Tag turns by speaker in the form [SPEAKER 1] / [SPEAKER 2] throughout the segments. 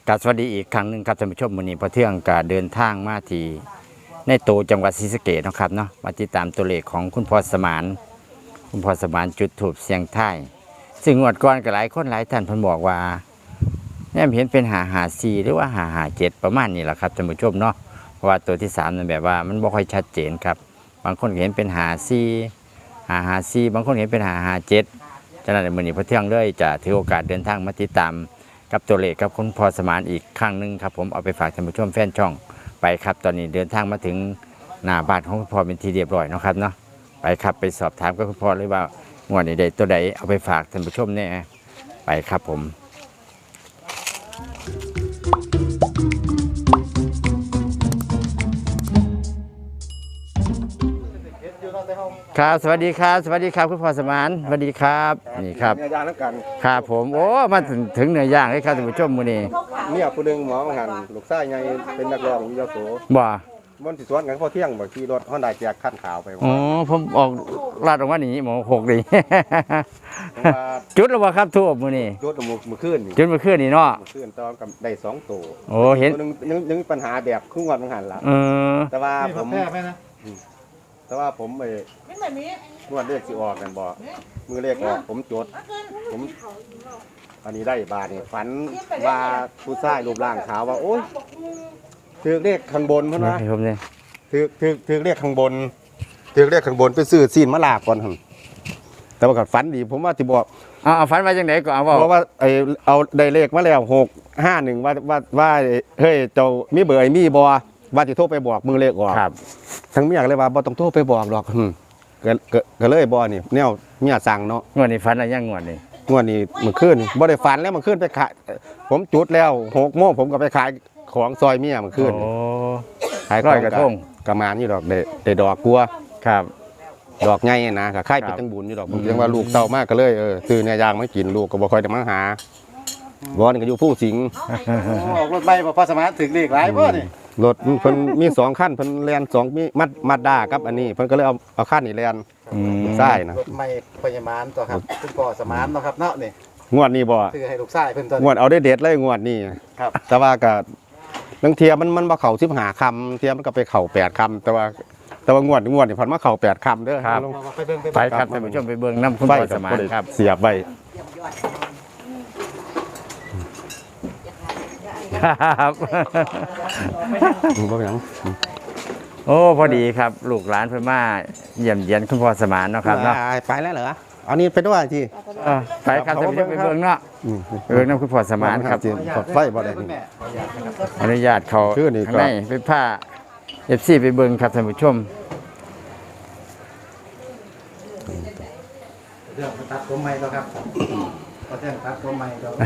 [SPEAKER 1] กราบสวัสดีอีกครั้งหนึ่งครับท่านผู้ชมมื้อนี้พอเที่ยงก็เดินทางมาที่ในตัวจังหวัดศรีสะเกษนะครับเนาะมาติดตามตัวเลขของคุณพ่อสมานจุดธูปเสียงทายซึ่งงวดก่อนก็หลายคนหลายท่านเพิ่นบอกว่าเนี่ยเห็นเป็น554หรือว่า557ประมาณนี้แหละครับท่านผู้ชมเนาะเพราะว่าตัวที่3นั่นแบบว่ามันบ่ค่อยชัดเจนครับบางคนเห็นเป็น554บางคนเห็นเป็น557ฉะนั้นมื้อนี้พอเที่ยงเลยจะถือโอกาสเดินทางมาติดตามกับตัวเลขกับคุณพ่อสมานอีกครั้งหนึ่งครับผมเอาไปฝากท่านผู้ชมแฟนช่องไปครับตอนนี้เดินทางมาถึงหน้าบ้านของคุณพ่อเป็นทีเรียบร้อยนะครับเนาะไปครับไปสอบถามกับคุณพ่อเลยว่างวดใดตัวใดเอาไปฝากท่านผู้ชมเนี่ยไปครับผมครับสวัสดีครับสวัสดีครับคุณพ่อสมานสวัสดีครับนี่ครับ
[SPEAKER 2] เนื้อย่างแล้วกัน
[SPEAKER 1] ครับผมโอ้มาถึงเนื้อย่างเลยครับท่านผู้ชมมื้อนี้
[SPEAKER 2] เนี่ยผู้หนึงหมอหันลูกชายไงเป็นนักร้องอยู่ยโส
[SPEAKER 1] บ่
[SPEAKER 2] มันสิสวนกันพอเที่ยงบ่ขี่รถฮอนด้าแจกคันขาวไป
[SPEAKER 1] อ๋อผมออกลาดออกมานี่หมอ6ดี
[SPEAKER 2] ว่า
[SPEAKER 1] จุดแล้วบ่ครับทูบมื้อนี้
[SPEAKER 2] รถมื้อคืนนี่
[SPEAKER 1] จุดเมื่อคืนนี่เนาะ
[SPEAKER 2] มื้อคืนตอนกับได้2ตัว
[SPEAKER 1] โอ้เห็น
[SPEAKER 2] ตัวนึงยังมีปัญหาแบบครึ่งวันมันหันล่ะแต่ว่าผมไอ้งวดเลขสิออกกันบ่มือเลขออกผมจดผมอันนี้ได้บาทนี่ฝันว่าผู้ชายรูปร่างขาวว่าโอ๊ยถือเลขข้างบนเพิ่นว่าถือเลขข้างบนไปซื้อซีนมะลาก่อนหั่นแต่ว่าก็ฝันดีผมว่าสิบอก
[SPEAKER 1] เอาฝันมาจังได๋ก็เอา
[SPEAKER 2] เพราะว่าเอาได้เลขมาแล้ว651ว่าเฮ้ยเจ้ามีเบอร์มีบ่ว่าสิโทรไปบอกมือเลขออก
[SPEAKER 1] ครับ
[SPEAKER 2] ทั้งเมียก็เลยว่าบ่ต้องโทรไปบอกหรอกก็เลยบ่นี่แนวเมียสั่งเนาะ
[SPEAKER 1] งวดนี้ฝันอะไรยังงวดนี้
[SPEAKER 2] มื้อคืนบ่ได้ฝันแล้วมื้อคืนไปขายผมจุดแล้ว6 โมงผมก็ไปขายของซอยเมียมื้อคืน
[SPEAKER 1] โอ้
[SPEAKER 2] ขายกระทงกระมานอยู่ดอกได้ดอกกลัว
[SPEAKER 1] ครับ
[SPEAKER 2] ดอกใหญ่นะก็คล้ายเป็นจังบุญอยู่ดอกผมเรียกว่าลูกเต้ามากก็เลยซื้อเนี่ยย่างมากินลูกก็บ่ค่อยได้มาหาบ่นี่ก็อยู่ผู้สิง
[SPEAKER 3] ออกรถใบบ่พอสมานถึงเลขหลายบ่นี่
[SPEAKER 2] รถเพิ่นมี2คันเพิ่นแล่น2มีมัดด้ากับอันนี้เพิ่นก็เลยเอาคันนี้แล่นใช่นะ
[SPEAKER 3] รถใหม่พยาบาลตัวครับคุณพ่อสมานเนาะครับเนาะนี่
[SPEAKER 2] งวดนี้บ่
[SPEAKER 3] ซื้อให้ลูกชายเพิ่นตัว
[SPEAKER 2] งวดเอาได้เด็ดเลยงวดนี้
[SPEAKER 3] ครับ
[SPEAKER 2] แต่ว่าก็บางเทียมันบ่เข้า15คำเทียมันก็ไปเข้า8คำแต่ว่างวดนี่พันมาเข้า8คำเด้อ
[SPEAKER 1] ครับไปครับท่านผู้ชมไปเบิ่งนำคุณพ่อสมานครับ
[SPEAKER 2] เสียบไว้
[SPEAKER 1] ครับ
[SPEAKER 2] บ่หยัง
[SPEAKER 1] โอ้พอดีครับลูกหลานเพิ่นมาเยี่ยมเยียนคุณพ่อสมานเนาะครับเนาะ
[SPEAKER 2] ไปแล้วเหรอเอานี่ไปด้วยที่
[SPEAKER 1] ไปครับท่านผู้ชมไปเบิ่งเนาะไปเบิ่งนำคุณพ่อสมานครับ
[SPEAKER 2] กดไฟบ่ได้นี่
[SPEAKER 1] อนุญาตเขาข้างในไปผ้า FC ไปเบิ่งครับท่านผู้ชม
[SPEAKER 3] เรื่องตัดผมใหม่แล้วครับก็แจ้งตัดผมใหม่แล้ว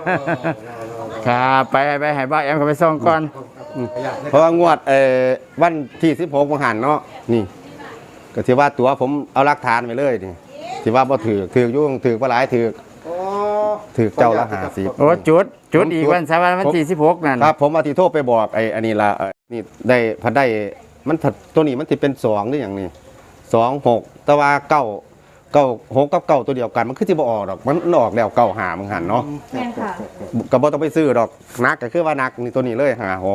[SPEAKER 1] ครับไปให้บ้าแอมเขาไปส่งก่อน
[SPEAKER 2] เพราะว่างวดวันที่16มกราคมเนาะนี่ก็ที่ว่าตัวผมเอาหลักฐานไปเลยนี่ที่ว่าบ่ถือยุ่งถือบ่หลายถือเจ้าละ50
[SPEAKER 1] โอ้จุดอีกวันที่16นั่น
[SPEAKER 2] ครับผมว่าที่โทรไปบอกอันนี้ล่ะนี่ได้พันได้มันตัวนี้มันสิเป็น2หรือหยังนี่26แต่ว่า6กับ9ตัวเดียวกันมันคือสิบ่ออกดอกมันออกแล้ว95มึงหันเนาะ
[SPEAKER 4] แม่นค่ะ
[SPEAKER 2] ก็บ่ต้องไปซื้อดอกนักก็คือว่านักนี่ตัวนี้เลย56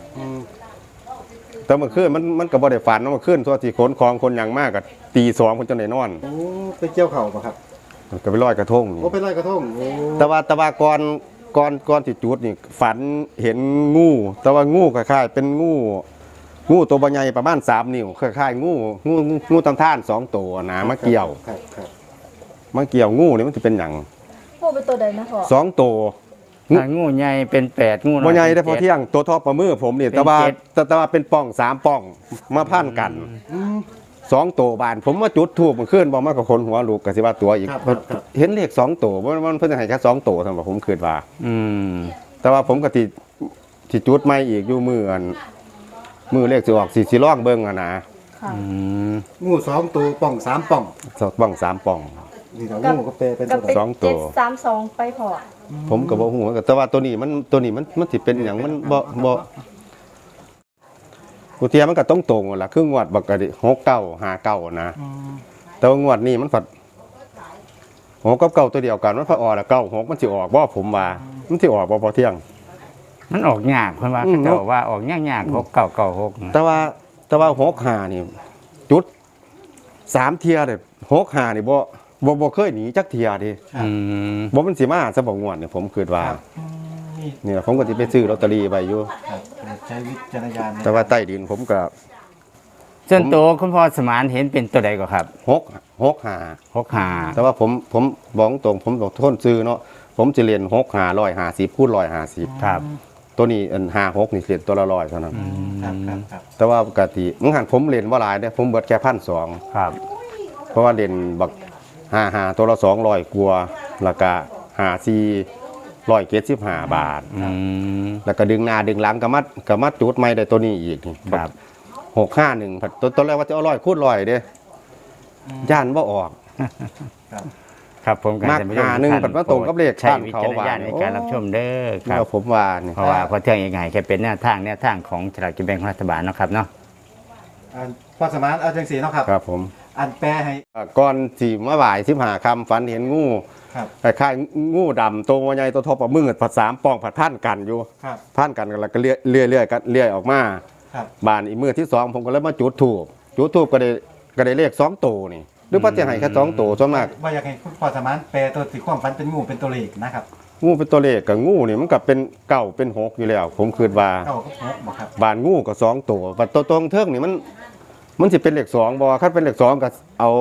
[SPEAKER 2] แต่เมื่อคืนมันก็บ่ได้ฝันเนาะเมื่อคืนตัวที่ขนของคนอย่างมากก็ตี2คนจนได้นอน
[SPEAKER 3] โอ้ไปเกี่ยวเข่าป่ะครับ
[SPEAKER 2] ก็ไปลอยกระทงนี่
[SPEAKER 3] โอ้ไปลอยกระทง
[SPEAKER 2] แต่ว่าก่อนที่จุดนี่ฝันเห็นงูแต่ว่างูคล้ายๆเป็นงูตัวใหญ่ประมาณ3 นิ้วคล้ายๆงูตำท่าน2ตัวนะมาเกี่ยวงูนี่มันสิเป็นหยัง
[SPEAKER 4] งูเป็นตัวใดนะพ่อ
[SPEAKER 2] 2ตัว
[SPEAKER 1] งูใหญ่เป็น8งูน้อย
[SPEAKER 2] บ่ใหญ่ได้พอเที่ยงตัวทอประมือผมนี่แต่ว่าเป็นป่อง3ป่องมาพันกัน2ตัวบานผมมาจุดธูปเมื่อคืนบ่มากับคนหัวลูกก็สิว่าตัวอีกเห็นเลข2ตัวมันเพิ่นให้แค่2ตัวซั่นบ่ผมคิดว่าแต่ว่าผมก็สิจุดใหม่อีกอยู่มือเลขสิออกสิลองเบิ่งอ่ะนะ
[SPEAKER 3] งู2ตัวป่อง3ป่อง
[SPEAKER 2] ป่อง3ป่อง
[SPEAKER 3] นี่งูก็เป็นตัว
[SPEAKER 2] 2ตัว
[SPEAKER 4] 732ไปพอ
[SPEAKER 2] ผมก็บ่ฮู้แต่ว่าตัวนี้มันสิเป็นหยังมันบ่กูเทียมันก็ต้องตรงล่ะคืองวดบักกะดิ6959นะแต่ว่างวดนี้มันฝัด6กับ9ตัวเดียวกันมันพอออกแล้ว96มันสิออกบ่ผมว่ามันสิออกบ่พอเที่ยง
[SPEAKER 1] มันออกยากเพิ่นว่าเขาเจ้าว่าออกยากๆ6996
[SPEAKER 2] แต่ว่า65นี่จุด3เที่ยเลย65นี่บ่เคยหนีจักเที่ยเดิ
[SPEAKER 1] อืม
[SPEAKER 2] บ่มันสิมาซะบ่งวดเนี่ยผมคิดว่า
[SPEAKER 3] นี่
[SPEAKER 2] นี่ล่ะผมก็สิไปซื้อลอตเตอรี่ไว้อยู่
[SPEAKER 3] ครับใช้วิจารณญาณนะ
[SPEAKER 2] แต่ว่าใต้ดินผมก็
[SPEAKER 1] ส่วนตัวคุณพ่อสมานเห็นเป็นตัวใดก็ครับ
[SPEAKER 2] 65
[SPEAKER 1] 65
[SPEAKER 2] แต่ว่าผมบอกตรงผมบอกทนซื้อเนาะผมจะเรียน150คูณ150
[SPEAKER 1] ครับ
[SPEAKER 2] ตัวนี้อัน56นี่เรียนตัวละ100เท่านั้น
[SPEAKER 3] ครับ
[SPEAKER 2] แต่ว่าปกติมื้อหันผมเรียนบ่หลายเด้ผมเบิดแค่1,200
[SPEAKER 1] ครับ
[SPEAKER 2] เพราะว่าเรียนบัก55ตัวละ200กว่าแล้วก็54 175 บาท
[SPEAKER 1] อืม
[SPEAKER 2] แล้วก็ดึงหน้าดึงหลังก็มาจุดใหม่ได้ตัวนี้อีกนี่
[SPEAKER 1] ครับ
[SPEAKER 2] 651ผัดตัวแรกว่าจะเอา100คูณ100เด้ย่านบ่ออก
[SPEAKER 1] ครับผม
[SPEAKER 2] มักหาหนึ่งปัดว่าตรงกับเลข
[SPEAKER 1] ใช้
[SPEAKER 2] บ้าน
[SPEAKER 1] วิ
[SPEAKER 2] เขา
[SPEAKER 1] จารณญาณ
[SPEAKER 2] ว่า
[SPEAKER 1] ในการรับชมเด้อครั
[SPEAKER 2] แล้
[SPEAKER 1] บ
[SPEAKER 2] วผมว่านี่
[SPEAKER 1] เพราะว่าพอเที่ยงยังไงแค่เป็นแนวทางของฉลากกินแบ่งของรัฐบาลเนาะครับเนาะ
[SPEAKER 3] อันพอสมานเอาจังสีเนาะครับ
[SPEAKER 2] ครับผม
[SPEAKER 3] อันแปลให้
[SPEAKER 2] ก่อนสิมาบ่าย15ค่ำฝันเห็นงู
[SPEAKER 3] ครับ
[SPEAKER 2] คล้ายๆงูดำตัวใหญ่ตัวทอปลามืดผัด3ป่องผัดพันกันอยู่
[SPEAKER 3] ครับ
[SPEAKER 2] พันกันแล้วก็เลื่อยกันเลื่อยออกมา
[SPEAKER 3] ครับ
[SPEAKER 2] บานอีกมือที่2ผมก็เลยมาจุดธูปก็ได้เลข2ตัวนี่หรือว่าจะให้แค่2ตัวส่วนมาก
[SPEAKER 3] ว่าอยากให้คุณพอสมานแปลตัวที่ความฝันเป็นงูเป็นตัวเลขนะครับ
[SPEAKER 2] งูเป็นตัวเลขกับงูนี่มันก็เป็นเก่าเป็น6อยู่แล้ว ผมคิดว่า
[SPEAKER 3] เก้ากับหกบ่ครับ
[SPEAKER 2] บานงูก็2ตัวบัดตัวตรงเทิงนี่มันสิเป็นเลข2บ่คันเป็นเลข2ก็เอา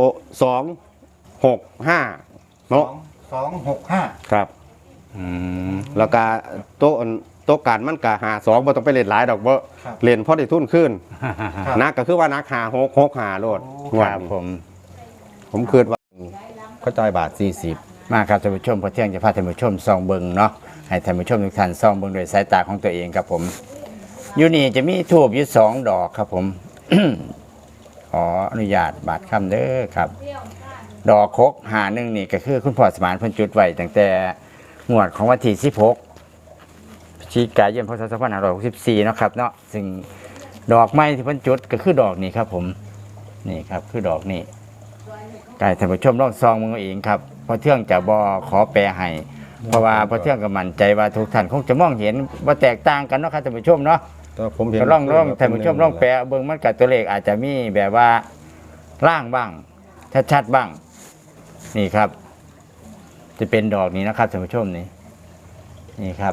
[SPEAKER 2] 2 6 5เนาะ
[SPEAKER 3] 265
[SPEAKER 2] ครับ
[SPEAKER 1] อืม
[SPEAKER 2] แล้วก็โต๊ะกันมันก็52บ่ต้องไปเล่นหลายดอกบ่
[SPEAKER 3] ครับ
[SPEAKER 2] เล่นพอได้ทุนขึ้น
[SPEAKER 3] ครับ
[SPEAKER 2] นักก็คือว่านัก6 5โลด
[SPEAKER 1] ค
[SPEAKER 2] งวด
[SPEAKER 1] รับ
[SPEAKER 2] นี้
[SPEAKER 1] ผม
[SPEAKER 2] ผมคิดว่าเขาจ่ายบาท40
[SPEAKER 1] มาครับท่านผู้ชมพอเที่ยงจะพาท่านผู้ชมส่องเบิงเนาะให้ท่านผู้ชมทุกท่านส่องเบิงโดยสายตาของตัวเองครับผมอยู่นี่จะมีทูบอยู่2 ดอกครับผม ขออนุญาตบาดคำเด้อครับ ดอกคก51นี่ก็คือคุณพ่อสมานเพิ่นจุดไว้ตั้งแต่งวดของวันที่16พฤศจิกายนพศ2564เนาะครับเนาะซึ่งดอกไม้ที่เพิ่นจุดก็คือดอกนี้ครับผมนี่ครับคือดอกนี้กายท่านผู้ชมลองซองมึงเอาเองครับเพราะเที่ยงจะบ่ขอแปลให้เพราะว่าพอเที่ยงก็มั่นใจว่าทุกท่านคงจะมองเห็นว่าแตกต่างกันเนาะครับท่านผู้ชมเนาะ
[SPEAKER 2] แต่ผมเห็น
[SPEAKER 1] ก็ลองท่านผู้ชมลองแปลเบิ่งมันกับตัวเลขอาจจะมีแบบว่าล่างบ้างชัดๆบ้าง นี่ครับ จะเป็นดอกนี้นะครับท่านผู้ชมนี่ครับ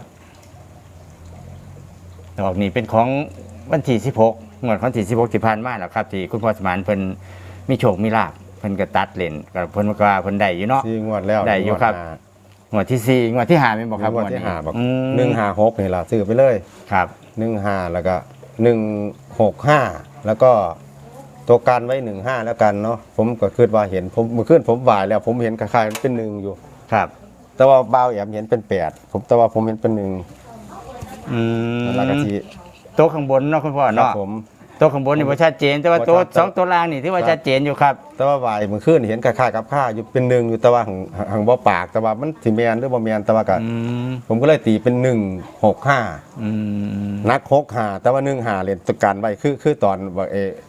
[SPEAKER 1] ดอกนี้เป็นของวันที่16งวดวันที่16ที่ผ่านมาแล้วครับ ที่คุณพ่อสมานเพิ่นมีโชคมีลาภเพิ่นก็ตัดเล่นก็เพิ่นว่าเพิ่นได้อยู่เนาะ
[SPEAKER 2] 4งวดแล้ว
[SPEAKER 1] ได้อยู่ครับ งวดที่4งวดที่5แม่นบ่ครับ
[SPEAKER 2] งวดที่ห้าบอก
[SPEAKER 1] อืม
[SPEAKER 2] 156นี่ล่ะซื้อไปเลย
[SPEAKER 1] ครับ
[SPEAKER 2] 15แล้วก็165แล้วก็ตัวกันไว้15แล้วกันเนาะผมก็คิดว่าเห็นผมเมื่อคืนผมบ่ายแล้ว ผมเห็นคล้ายๆมันเป็น1อยู่
[SPEAKER 1] ครับ
[SPEAKER 2] แต่ว่าบ่าวแอมเห็นเป็น8ผมแต่ว่าผมเห็นเป็น1
[SPEAKER 1] อืม
[SPEAKER 2] แล้วก็ที่
[SPEAKER 1] โต๊ะข้างบนเนาะคุณพ่อ
[SPEAKER 2] ครับ
[SPEAKER 1] เนาะ
[SPEAKER 2] ผม
[SPEAKER 1] โต๊ะข้างบนนี่ว่าชัดเจน แต่ว่าโต๊ะ
[SPEAKER 2] บ่ชัด
[SPEAKER 1] 2ตัวล่างนี่ที่ว่าชัดเจนอยู่ครับ
[SPEAKER 2] แต่ว่าบ่ายเมื่อคืนเห็นคล้ายๆกับข้าอยู่เป็น1อยู่แต่ว่าหังบ่ปากแต่ว่ามันสิแม่นหรือบ่แม่นแต่ว่าก็
[SPEAKER 1] อืม
[SPEAKER 2] ผมก็เลยตีเป็น165
[SPEAKER 1] อืม
[SPEAKER 2] นัก6-5แต่ว่า1-5เล่นตัวกันไว้คือตอนว่า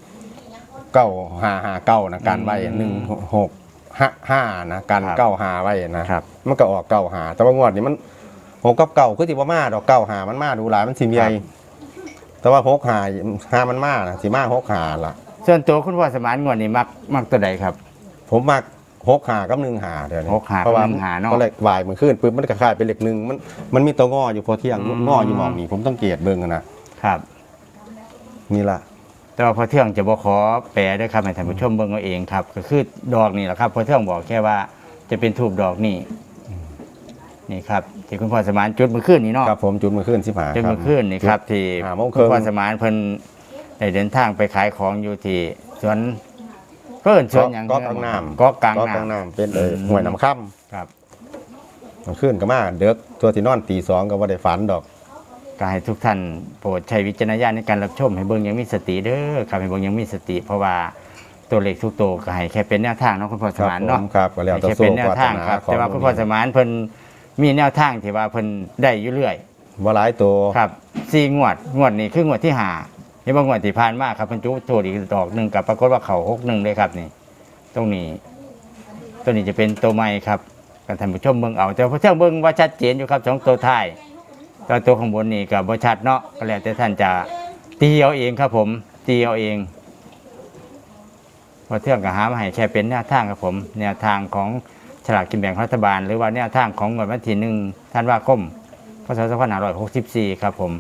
[SPEAKER 2] 9-5-5-9นะกันไว้1-6-5นะกัน9-5ไว้นะครับ มันก็ออก9-5แต่ว่างวดนี้มัน6กับ9คือสิบ่มาดอก9-5มันมาดูหลายมันสิใหญ่แต่ว่า6-5มันมานะสิมา6-5ล่ะ
[SPEAKER 1] ส่วนตัวคุณพ่อสมานงวดนี่มักตัวใดครับ
[SPEAKER 2] ผมมัก6-5กับ1-5เดี๋ยวนี้
[SPEAKER 1] 6-5
[SPEAKER 2] เพราะว่า
[SPEAKER 1] กับ1-5เนาะ
[SPEAKER 2] ก็เลยบ่ายมื้อคืนปึ๊บมันก็คล้ายเป็นเลข1มันมีตัวงออยู่พอเที่ยงงออยู่หม่องนี้ผมต้องเกตเบิ่งอะนะครับ นี่ล่ะ
[SPEAKER 1] แต่ว่าพอเที่ยงจะบ่ขอแปลด้วยครับให้ท่านผู้ชมเบิ่งเอาเองครับ ก็คือดอกนี่แหละครับพอเที่ยงบอกแค่ว่าจะเป็นทูบดอกนี่นี่ครับที่คุณพ่อสมานจุดเมื่อคืนนี้เนาะ
[SPEAKER 2] ครับผมจุดมื้อคืน15
[SPEAKER 1] จุดเมื่อคืนนี่ครับที่
[SPEAKER 2] ห้าโมงค
[SPEAKER 1] คุ
[SPEAKER 2] รึ่
[SPEAKER 1] ณ
[SPEAKER 2] ง
[SPEAKER 1] พ่อสมานเพิ่นได้เดินทางไปขายของอยู่ที่สวนก็เอิ้นสวนหยัง
[SPEAKER 2] ก็กลางน้ำ
[SPEAKER 1] ก็กลาง
[SPEAKER 2] ก็กลาง
[SPEAKER 1] น้ำ
[SPEAKER 2] น้ำเป็น
[SPEAKER 1] อืม
[SPEAKER 2] ห้วยน้ำค่ำ
[SPEAKER 1] ครับ
[SPEAKER 2] มื้อคืนก็มาเด็กตัวที่นอนตี2ก็บ่ได้ฝันดอก
[SPEAKER 1] ก็ให้ทุกท่านโปรดใช้วิจารณญาณในการรับชมให้เบิ่งอยังมีสติเด้อครับให้เบิ่งอยังมีสติ เพราะว่าตัวเลขทุกตัวก็ให้แค่เป็นแนวทางเนาะคุณพ่อสมานเนาะ
[SPEAKER 2] ครับก็แล้ว
[SPEAKER 1] ให้
[SPEAKER 2] แต่
[SPEAKER 1] แค่
[SPEAKER 2] โซ่
[SPEAKER 1] เป็นแนว
[SPEAKER 2] วาส
[SPEAKER 1] ทาง
[SPEAKER 2] นา
[SPEAKER 1] ครับ
[SPEAKER 2] ของ
[SPEAKER 1] แต่ว่าคุณพ่อสมานเพิ่นมีแนวทางที่ว่าเพิ่นได้อยู่เรื่อย
[SPEAKER 2] บ่หลายตัว
[SPEAKER 1] ครับ4งวดนี้คืองวดที่5เห็นบ่งวดที่ผ่านมาครับเพิ่นจุดโทษอีกดอกหนึงกับปรากฏว่าเข้า61เลยครับนี่ตรงนี้ตัวนี้จะเป็นตัวใหม่ครับกันท่านผู้ชมเบิ่งเอาแต่พอเที่ยงเบิ่งว่าชัดเจนอยู่ครับสองตัวท้ายแตัวตัวข้างบนนี่ก็บ่ชัดเนาะก็แล้วแต่ท่านจะตีเอาเองครับผมตีเอาเองพอเที่ยงก็หามาให้แค่เป็นแนวทางครับผมแนวทางของฉลากกินแบ่งรัฐบาลหรือว่าแนวทางของงวดวันที่1ธันวาคมพศ2564ครับผม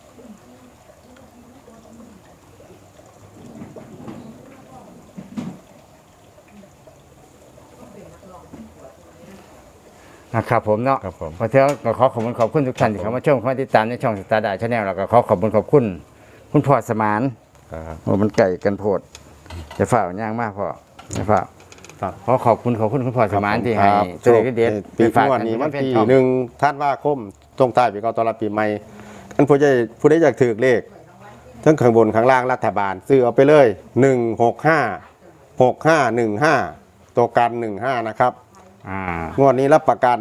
[SPEAKER 1] นะครับผมเนาะ
[SPEAKER 2] ครับผม
[SPEAKER 1] พอเที่ยงก็ขอขอบคุณทุกท่านที่เข้ามาชมเข้ามาติดตามในช่องสตาร์ดาชาแนลแล้วก็ขอขอบคุณคุณพ่อสมาน
[SPEAKER 2] ครับ
[SPEAKER 1] โอ้มันไก่กันโพดจะฝ่าย่างมากพ่อจะฝ่า
[SPEAKER 2] ครับ
[SPEAKER 1] ขอขอบคุณคุณพ่อสมานที่ให้
[SPEAKER 2] ครับ
[SPEAKER 1] ตัวเลขเด็ด
[SPEAKER 2] ปี
[SPEAKER 1] ฝาก
[SPEAKER 2] งวดนี้วันที่1ธันวาคมตรงท้ายปีเก่าต้อนรับปีใหม่ท่านผู้ใดอยากถือเลขทั้งข้างบนข้างล่างรัฐบาลซื้อเอาไปเลย1656515ตัวกัน15นะครับ
[SPEAKER 1] อ่าง
[SPEAKER 2] วดนี้รับประกัน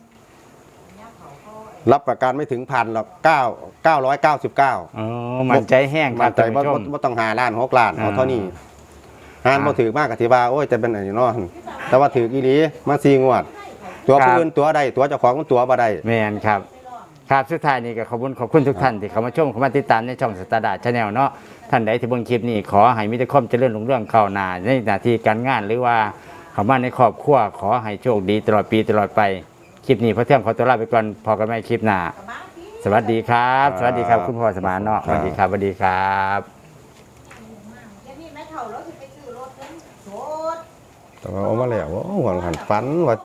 [SPEAKER 2] ไม่ถึงพันหรอก999
[SPEAKER 1] อ๋อมันใจแห้งค
[SPEAKER 2] มั
[SPEAKER 1] รับ
[SPEAKER 2] นใจ
[SPEAKER 1] ท่านผู้ชม
[SPEAKER 2] บ่ต้อง5ล้าน6ล้านเอาเท่านี้อ่านบ่ถือมากกะที่ว่าโอ้ยจะเป็นอันนี้เนาะแต่ว่าถืออีหลีมา4งวด ตัวผู้อื่นตัวใดตัวเจ้าของมันตัวบ่ได้
[SPEAKER 1] แมนครับครับสุดท้ายนี้ก็ขอบคุณทุกท่านที่เข้ามาชมเข้ามาติดตามในช่องสตาร์ดาชาแนลเนาะท่านใดที่เบิ่งคลิปนี้ขอให้มีแต่ความเจริญรุ่งเรืองก้าวหน้าในหน้าที่การงานหรือว่าเข้ามาในครอบครัวขอให้โชคดีตลอดปีตลอดไปคลิปนี้พอเที่ยงขอตัวลาไปก่อนพอกันใหม่คลิปหน้าสวัสดีครับ สวัสดีครับคุณพ่อสมานเนาะสวัสดีครับสวัสดีครับ
[SPEAKER 2] แต่ว่าเอามาแล้วโอ้หวังหันฝันว่า